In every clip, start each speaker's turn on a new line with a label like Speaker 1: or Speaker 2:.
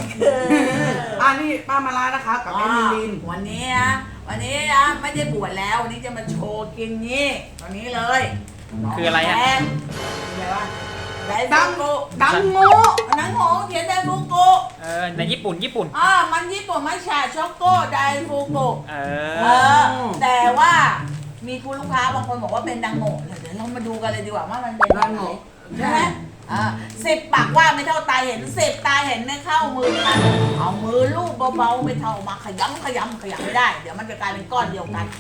Speaker 1: นี่ป้ามาลานะคะกับแอมิลิน
Speaker 2: วันนี้ไม่ได้บวชแล้ววันนี้จะมาโชว์กินนี่ตอนนี้เลย
Speaker 3: คืออะไรอ่ะ
Speaker 2: อะไรวะได
Speaker 1: ดั
Speaker 2: ฟูกุ
Speaker 1: ดังโง่
Speaker 2: นังโง่เขียนไดฟูกุ
Speaker 3: ในญี่ปุ่น
Speaker 2: มันญี่ปุ่นไม่ใช่ช็อกโกไดฟูกุแต่ว่ามีคุณลูกค้าบางคนบอกว่าเป็นดังโง่เดี๋ยวเรามาดูกันเลยดีกว่าว่ามันเป็น
Speaker 1: ดังโง่
Speaker 2: ใช่ไหม10 ปากว่าไม่เท่าตาเห็น10 ตาเห็นไม่เข้ามือกันเอามือลูบเบาๆไม่เท่ามาขยำไม่ได้เดี๋ยวมันจะกลายเป็นก้อนเดียวกัน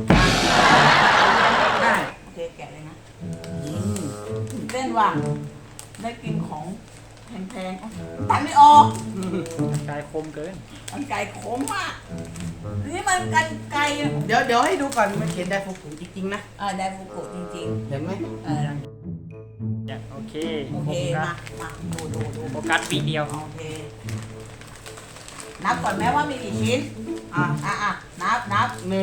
Speaker 1: ได้
Speaker 2: โอเคแกะเลยนะเต้นว่าได้กินของแพงๆตัดไม่ออก
Speaker 3: กายคมเกิน
Speaker 2: มันไก่ขมมากนี่มันกันไก่
Speaker 1: เดี๋ยวให้ดูก่อนมันเขียนไดฟูกุจริงๆนะ
Speaker 2: ไดฟูกุจริง
Speaker 1: ๆเห็นไหม
Speaker 3: โอเค
Speaker 2: มาดู
Speaker 3: โฟกัสปีเดียว
Speaker 2: โอเคนับก่อนแม้ว่ามีกี่ชิ้นนับ
Speaker 1: 1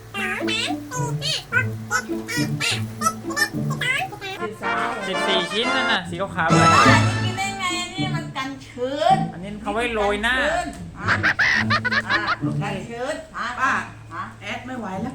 Speaker 3: 14 ชิ้นนั่นน่ะสีขาวๆเลย
Speaker 2: กินได้ไงอันนี้มันกันชื้น
Speaker 3: อันนี้เขาไว้โรยหน้า
Speaker 2: กันชื้น
Speaker 1: ป้าแอดไม่ไหวแล้ว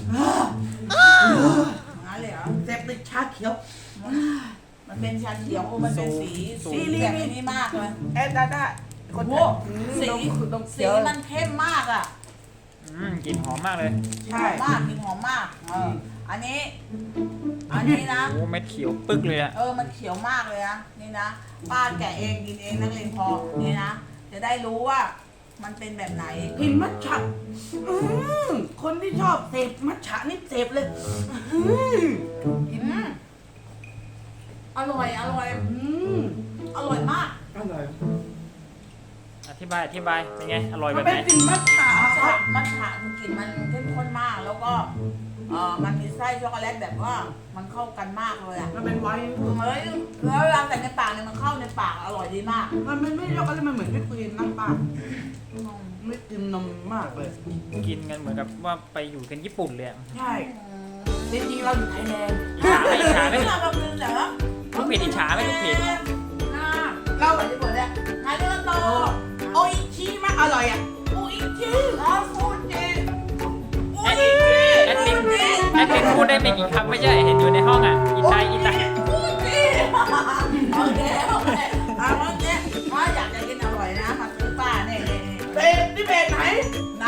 Speaker 2: งั้นเลยเหรอ
Speaker 1: เสพติดชาเขียว
Speaker 2: มันเป็นชาเขียวมันเป็นสีแบบนี้มากเลย
Speaker 1: แอดได้
Speaker 2: คนสีมันเข้มมากอ่ะ
Speaker 3: กลิ่นหอมมากเลย
Speaker 2: ใช่กลิ่นหอมมากอันนี้นะ
Speaker 3: โอ้เม็ดเขียวปึ๊กเลยอ่ะ
Speaker 2: มันเขียวมากเลยนะนี่นะป้าแกะเองกินเองนักเลงพอนี่นะจะได้รู้ว่ามันเป็นแบบไหน
Speaker 1: กินมัทฉะคนที่ชอบเสพมัทฉะนี่เสพเลย
Speaker 2: กินอร่อยอร่อยมาก
Speaker 1: อร่อย
Speaker 3: อธิบายเป็นไงอร่อยแบบไหน
Speaker 1: มันเป็นกลิ่นมัทฉะ
Speaker 2: มัทฉะกลิ่นมันเข้มข้นมากแล้วก็มันมีไส้ช็อกโกแลตแบบว่ามันเข้ากันมากเลยอ่ะ
Speaker 1: มันเป็นไวน์
Speaker 2: แล้วเวลาใส่ในปากเนี่ยมันเข้าในปากอร่อยดีมาก
Speaker 1: มันไม่ช็อกโกแลตมันเหมือนวิปครีมน้ำปลาไม่กินนมมากเลย
Speaker 3: กินกันเหมือนกับว่าไปอยู่กันญี่ปุ่นเลย
Speaker 1: ใช่จริงๆเราอยู่ไทยแลนด์
Speaker 3: อิจฉาไหม
Speaker 2: ลูก
Speaker 3: เพจอิจฉาไหมลูกเพจ
Speaker 2: เราแบบญี่ปุ่นเนี่ยไงก็โต
Speaker 1: โออิชิมากอร่อยอ่ะ
Speaker 2: โออิชิฟูจิ
Speaker 3: แอดมินพูดได้ไม่กี่คำไม่ใช่เห็นอยู่ในห้องอ่ะอีไต
Speaker 2: ฟูจิโอเคเมื่อกี้อยากจะกินอร่อยนะมาซื้อป้าเนี่ย
Speaker 1: นี่เบนไหน
Speaker 2: นะ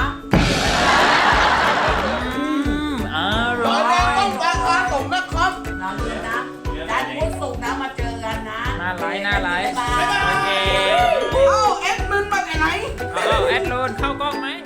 Speaker 3: อร่อย
Speaker 1: ต้องราคาส่งนะครับ
Speaker 2: นะด้านพุธศุกร์นะมาเจอกันนะ
Speaker 3: หน้าไลฟ์โอเค
Speaker 1: แอดมินมาจากไหน
Speaker 3: แอดโลนเข้ากล้องไหม